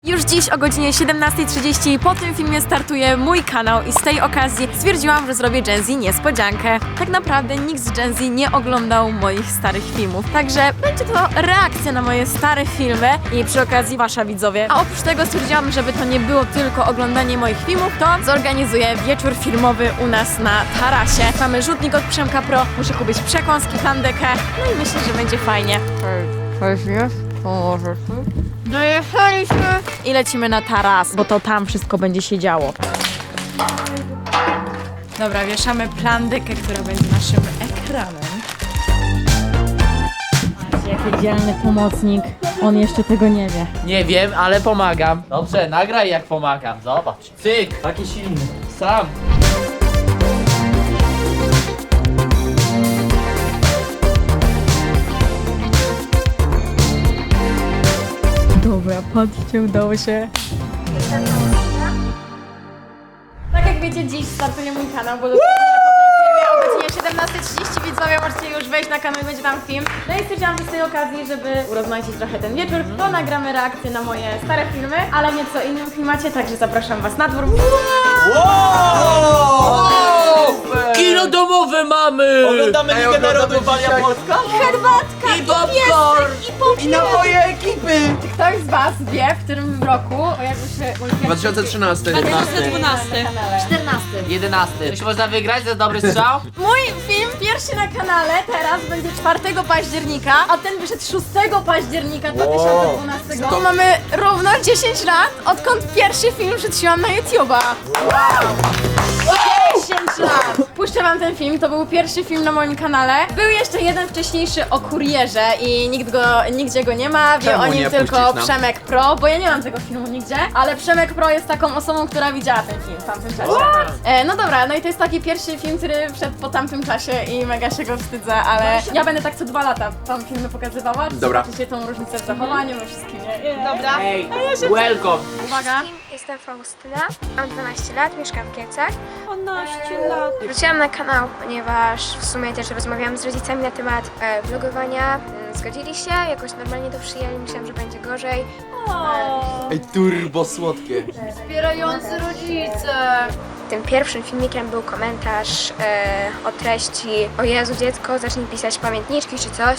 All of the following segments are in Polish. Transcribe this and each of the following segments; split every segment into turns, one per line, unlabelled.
Już dziś o godzinie 17:30 po tym filmie startuje mój kanał i z tej okazji stwierdziłam, że zrobię Gen Z niespodziankę. Tak naprawdę nikt z Gen Z nie oglądał moich starych filmów, także będzie to reakcja na moje stare filmy i przy okazji wasza widzowie. A oprócz tego stwierdziłam, żeby to nie było tylko oglądanie moich filmów, to zorganizuję wieczór filmowy u nas na tarasie. Mamy rzutnik od Przemka Pro, muszę kupić przekąski, plandekę, no i myślę, że będzie fajnie. Dojechaliśmy i lecimy na taras, bo to tam wszystko będzie się działo. Dobra, wieszamy plandekę, która będzie naszym ekranem. Jaki dzielny pomocnik, on jeszcze tego nie wie.
Nie wiem, ale pomagam. Dobrze, nagraj jak pomagam, zobacz. Cyk,
Taki silny.
sam.
Dobra, patrzcie, udało się. Tak jak wiecie, dziś startuje mój kanał, bo dosłownie po tym filmie o godzinie 17:30 widzowie możecie już wejść na kanał i będzie tam film. No i stwierdziłam, że z tej okazji, żeby urozmaicić trochę ten wieczór, to nagramy reakcję na moje stare filmy, ale w nieco innym klimacie, także zapraszam was na dwór.
Kino domowe mamy!
Oglądamy Ligę Narodów, Walia Polska?
Herbatka
I popcorn!
I napoje ekipy!
Ktoś z was wie, w którym roku pojawił się mój pierwszy
2013.
2012. 14.
11. Czy można wygrać za dobry strzał?
Mój film pierwszy na kanale teraz będzie 4 października, a ten wyszedł 6 października 2012. To mamy równo 10 lat, odkąd pierwszy film wrzuciłam na YouTube'a. 10 lat! Puszczę wam ten film, to był pierwszy film na moim kanale. Był jeszcze jeden wcześniejszy o kurierze i nigdzie go nie ma, wie
Czemu
o nim
nie
tylko
puścić nam?
Przemek Pro, bo ja nie mam tego filmu nigdzie, ale Przemek Pro jest taką osobą, która widziała ten film w tamtym czasie. No dobra, no i to jest taki pierwszy film, który wszedł po tamtym czasie i mega się go wstydzę, ale ja będę tak co 2 lata tam filmy pokazywała.
Dobra.
Zobaczycie tą różnicę w zachowaniu, we wszystkim. Dobra.
Ej, welcome!
Uwaga.
Jestem Faustyna, mam 12 lat, mieszkam w Kielcach.
12 lat.
Wróciłam na kanał, ponieważ w sumie też rozmawiałam z rodzicami na temat vlogowania. Zgodzili się, jakoś normalnie to przyjęli, myślałam, że będzie gorzej.
Ej, turbo słodkie.
Wspierający rodzice.
Tym pierwszym filmikiem był komentarz o treści: o Jezu dziecko, zacznij pisać pamiętniczki czy coś.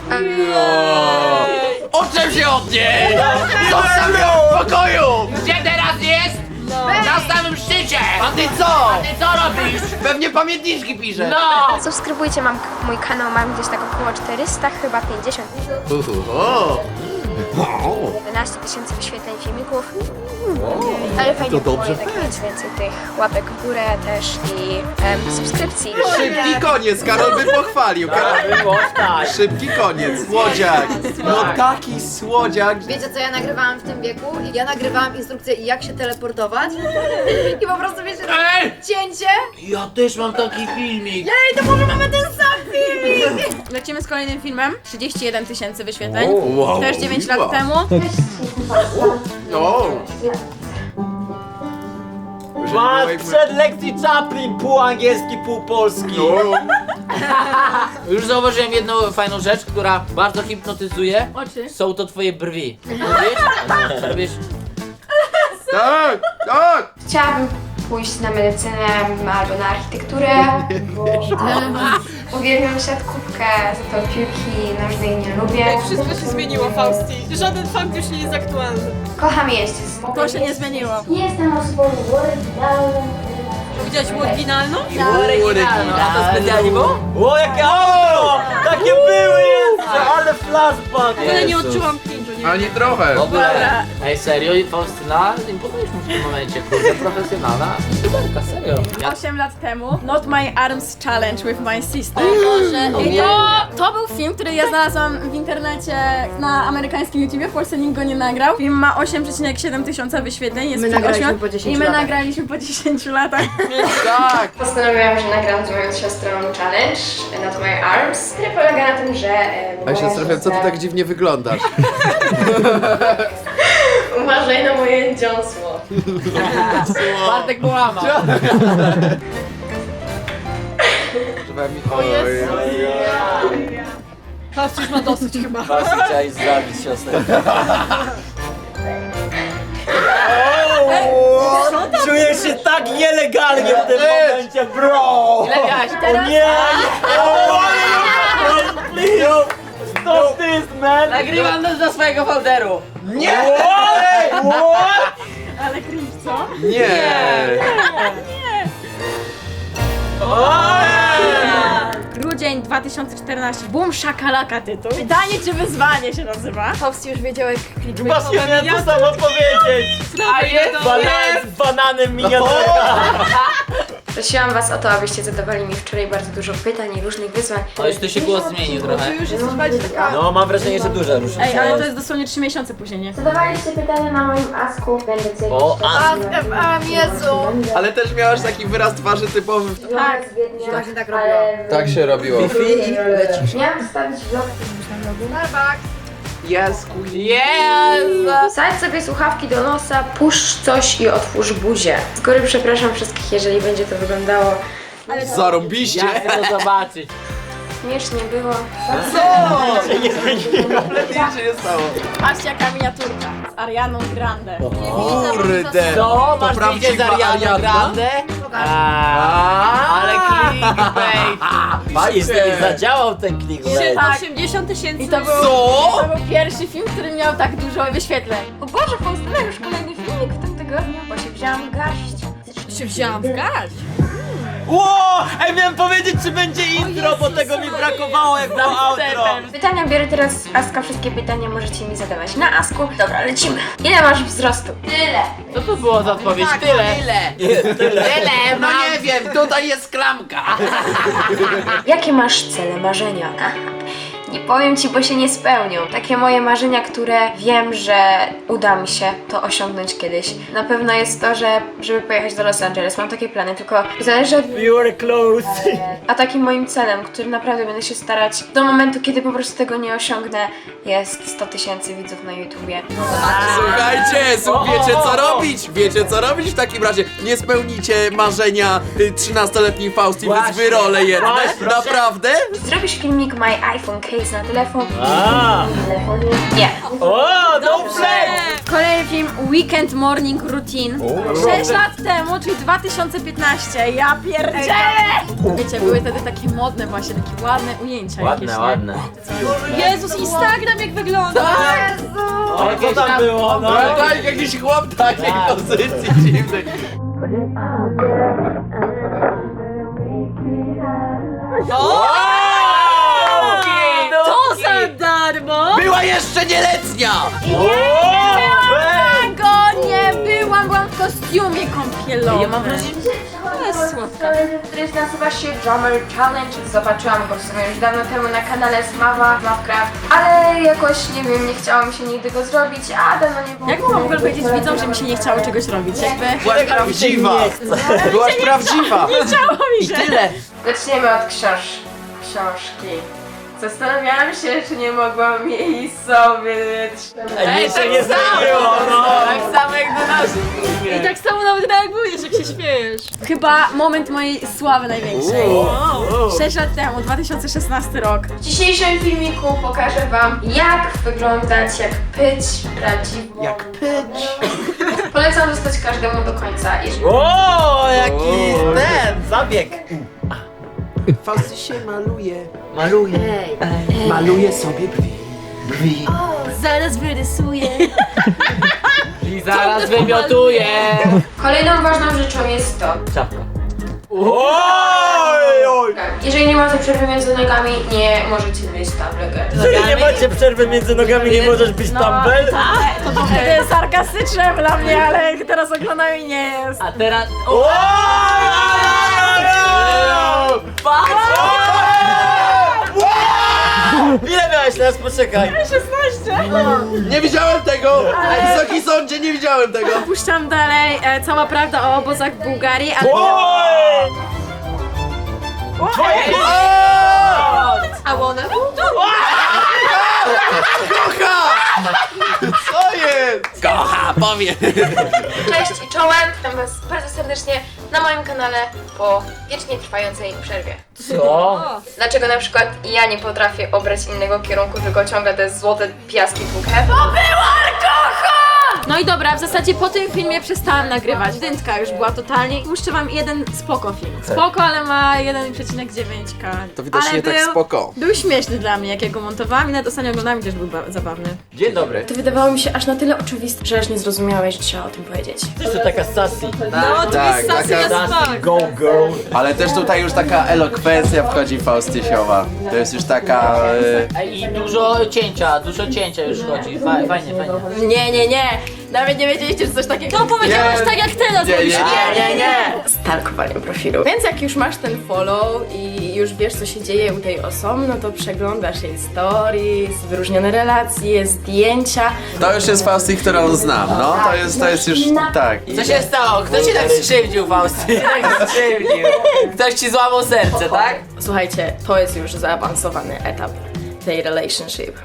Odczep się od niej! Zostaw ją w pokoju! Gdzie teraz jest? Na samym szczycie! A ty co? A ty co robisz?
Pewnie pamiętniczki pisze.
No!
Subskrybujcie mój kanał, mam gdzieś tak około 400, chyba 50. 11 000 wyświetleń filmików. Ale fajnie było jednak mieć więcej tych łapek w górę też i subskrypcji.
Szybki koniec, Karol by pochwalił. Szybki koniec, słodziak. No taki słodziak.
Wiecie co ja nagrywałam w tym wieku? Ja nagrywałam instrukcję jak się teleportować i po prostu wiecie,
Ej!
cięcie.
Ja też mam taki filmik.
Ej, to może mamy ten sam filmik!
Lecimy z kolejnym filmem. 31 000 wyświetleń.
Wow.
Też 9 lat temu.
O.
Przed lekcji Chaplin, pół angielski, pół polski.
Już zauważyłem jedną fajną rzecz, która bardzo hipnotyzuje.
Oczy.
Są to twoje brwi. Wiesz? Wiesz?
Tak, tak.
Chciałabym pójść na medycynę albo na architekturę. Uwielbiam siatkówkę, za to piłki nożnej nie lubię.
Wszystko się zmieniło, Fausti. Żaden fakt już nie jest aktualny.
Kocham jeździć.
To się nie zmieniło.
Jestem osobą oryginalną.
Widziałeś oryginalną?
Oryginalną. A to specjalnie było?
O, jakie auto! Takie były jeszcze, ale flashback.
Ale nie odczułam cringe'u, nie.
Ani trochę.
W ogóle. Ej, serio? Faustyna? Imponujesz mi w tym momencie, kurde, profesjonalna. Studentka, serio. Ja
8 lat temu Not My Arms Challenge with My Sister. I to był film, który ja znalazłam w internecie na amerykańskim YouTubie, w Polsce nikt go nie nagrał. Film ma 8,7 tysiąca wyświetleń, jest
My
przed
nagraliśmy
8
po 10
i my
latach.
nagraliśmy po 10 latach.
Tak.
Postanowiłam, że nagram z moją siostrą challenge Not My Arms, który polega na tym, że
Ej, siostrze, co ty tak dziwnie wyglądasz?
Uważaj na moje dziąsło.
Bartek połamał.
Oj.
Fausti już ma dosyć chyba.
Właśnie chciałeś zabić siostrę. się tak nielegalnie w tym momencie, bro!
Ile miałeś?
O nie! Please! Stop this, man!
Nagrywam to do swojego folderu.
Nie!
What?
Ale cringe, co?
Nie!
Grudzień 2014. Boom shakalaka tytuł. Pytanie czy wyzwanie się nazywa?
Faust już wiedział jak kliknąć.
Właśnie miałem to samo powiedzieć!
A jest,
Z bananem miniaturka!
Prosiłam was o to, abyście zadawali mi wczoraj bardzo dużo pytań i różnych wyzwań.
O, już tu się głos zmienił trochę.
Już jesteś bardziej taka...
No, mam wrażenie, że dużo różnic.
Ej, ale to jest dosłownie 3 miesiące później, nie?
Zadawaliście pytania na moim asku, będę coś...
O,
Jezu!
Ale też miałaś taki wyraz twarzy typowy.
Tak,
Właśnie tak robiłam.
Tak się robiło.
Miałam wstawić vlog.
Starbucks.
Jezu!
Wsadź sobie słuchawki do nosa, puszcz coś i otwórz buzię. Z góry przepraszam wszystkich, jeżeli będzie to wyglądało
Zarąbiście.
Ja chcę to zobaczyć.
śmiesznie było.
Nic się nie stało.
Patrzcie jaka miniaturka z Arianą Grande.
Kurde.
Co?
To
Masz zdjęcie z
prawdziwa
Ariana
Ariadna?
Grande? Ale clickbait.
I zadziałał ten clickbait.
Tak.
80 000.
I to był,
Co?
to był pierwszy film, który miał tak dużo wyświetleń.
O Boże, Faustyna, już kolejny filmik w tym tygodniu, bo się wzięłam w garść.
Się wzięłam w garść.
Ło! Ej, miałem powiedzieć, czy będzie intro, bo tego mi brakowało jak było outro.
Pytania biorę teraz z Aska, wszystkie pytania możecie mi zadawać na Asku. Dobra, lecimy. Ile masz wzrostu? Tyle.
Co to było za odpowiedź? Tyle. Tyle, no nie wiem, tutaj jest klamka.
Jakie masz cele, marzenia? Nie powiem ci, bo się nie spełnią. Takie moje marzenia, które wiem, że uda mi się to osiągnąć kiedyś. Na pewno jest to, żeby pojechać do Los Angeles. Mam takie plany, tylko zależy od...
You are close.
A takim moim celem, który naprawdę będę się starać do momentu, kiedy po prostu tego nie osiągnę, jest 100 000 widzów na YouTubie.
Słuchajcie, wiecie co robić? Wiecie co robić w takim razie? Nie spełnicie marzenia 13-letniej Fausty, więc
Właśnie.
wyrolę jedne.
Właśnie, proszę.
Naprawdę?
Zrobisz filmik My iPhone Case na telefon?
A.
Na telefonie? Nie.
O, no play!
Kolejny film Weekend Morning Routine. 6 lat temu, czyli 2015. Ja pierdzielę! Wiecie, były wtedy takie modne właśnie, takie ładne ujęcia jakieś, nie?
Jezus, Instagram jak wygląda.
O, co tam było? No.
No tak, jakiś chłop takiej pozycji dziwnej.
To za darmo.
Była jeszcze nieletnia!
Byłam w kostiumie kąpielowym. Ja mam wrażenie,
To jest słodka. Który nazywa się Drummer Challenge. Zobaczyłam go w sumie już dawno temu na kanale Smawa, Smawcraft, ale jakoś, nie wiem, nie chciało mi się nigdy go zrobić, a dawno nie było.
Jak mogłam w ogóle powiedzieć widzom, że mi się nie chciało czegoś robić? Jakby
Byłaś prawdziwa! Byłaś prawdziwa!
nie chciało mi się.
Tyle.
Zaczniemy od książki. Zastanawiałam się, czy nie mogłam jej sobie
Ej, się nie zmieniło, no.
Tak samo jak do nas.
I tak samo nawet reagujesz, jak się śmiejesz.
Chyba moment mojej sławy największej. 6 lat temu, 2016 rok.
W dzisiejszym filmiku pokażę wam, jak wyglądać, jak pyć prawdziwą. Jak pyć. Polecam zostać każdemu do końca. Jeżeli...
O, jaki ten zabieg.
Fausty się maluje.
Maluje.
Maluje sobie brwi.
Zaraz wyrysuję.
I zaraz wymiotuję.
Kolejną ważną rzeczą jest to.
Czapka. Oj, oj.
Jeżeli nie macie przerwy między nogami, nie możecie mieć tablet.
Jeżeli nie macie przerwy między nogami, nie możesz być tumble?
To trochę sarkastyczne dla mnie, ale jak teraz oglądam i nie jest.
A teraz...
Ile miałeś teraz? Poczekaj.
16.
Nie widziałem tego! Wysoki sądzie, nie widziałem tego!
Puszczam dalej cała prawda o obozach w Bułgarii, ale...
Oj! Twoje...
A ona?
Kocha! Co jest? Kocha, powie!
Cześć i czołem! Witam was bardzo serdecznie na moim kanale po wiecznie trwającej przerwie.
Co?
Dlaczego na przykład ja nie potrafię obrać innego kierunku, tylko ciągle te złote piaski tłukę?
No i dobra, w zasadzie po tym filmie przestałam nagrywać. Dętka już była totalnie. Puszczę wam jeden spoko film. Spoko, ale ma 1,9K.
To widocznie
ale
tak
był,
spoko.
Był śmieszny dla mnie, jak ja go montowałam i nawet ostatnio oglądałam i też był zabawny.
Dzień dobry.
To wydawało mi się aż na tyle oczywiste, że aż nie zrozumiałeś, że trzeba o tym powiedzieć.
Coś to taka sassy.
No, to
tak,
jest sassy
taka-
as fuck.
Go girl.
Ale też tutaj już taka elokwencja wchodzi Faustysiowa. To jest już taka...
I dużo cięcia już chodzi. Fajnie.
Nie. Nawet nie wiedzieliście, że coś takiego. To powiedziałaś
Nie.
tak jak ty nas mówisz.
Nie.
Stalkowanie profilu. Więc jak już masz ten follow i już wiesz, co się dzieje u tej osoby, no to przeglądasz jej stories, wyróżnione relacje, zdjęcia.
To już jest Fausty, którą znam, no. To jest już... tak.
Co się stało? Kto ci tak skrzywdził, Fausty? Tak skrzywdził. Ktoś ci złamał serce, tak?
Słuchajcie, to jest już zaawansowany etap tej relationship.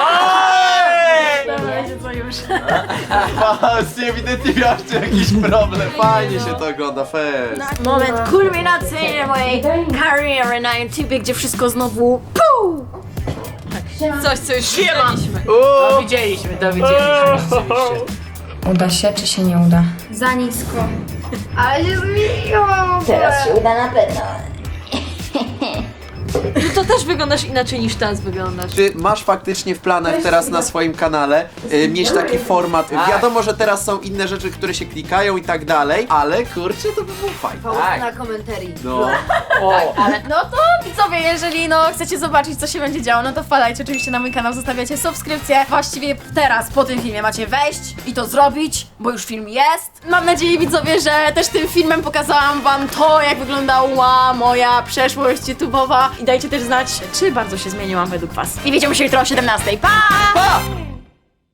Co już?
Fausty, ewidentnie miałeś tu jakiś problem. Fajnie się to ogląda, fest.
Moment kulminacyjny mojej kariery na YouTubie, gdzie wszystko znowu PUU! Coś, co już widzieliśmy.
To widzieliśmy rzeczywiście.
Uda się, czy się nie uda?
Za nisko. Ale się zmieniłam.
Teraz się uda na pewno.
To też wyglądasz inaczej niż teraz wyglądasz.
Czy masz faktycznie w planach teraz na swoim kanale mieć taki format? Wiadomo, że teraz są inne rzeczy, które się klikają i tak dalej, ale kurczę, to by było fajne.
Na komentarii.
No.
No to widzowie, jeżeli chcecie zobaczyć, co się będzie działo, no to wpadajcie oczywiście na mój kanał, zostawiacie subskrypcję. Właściwie teraz, po tym filmie macie wejść i to zrobić, bo już film jest. Mam nadzieję, widzowie, że też tym filmem pokazałam wam to, jak wyglądała moja przeszłość YouTube'owa. I dajcie też znać, czy bardzo się zmieniłam według was. I widzimy się jutro o 17:00. Pa!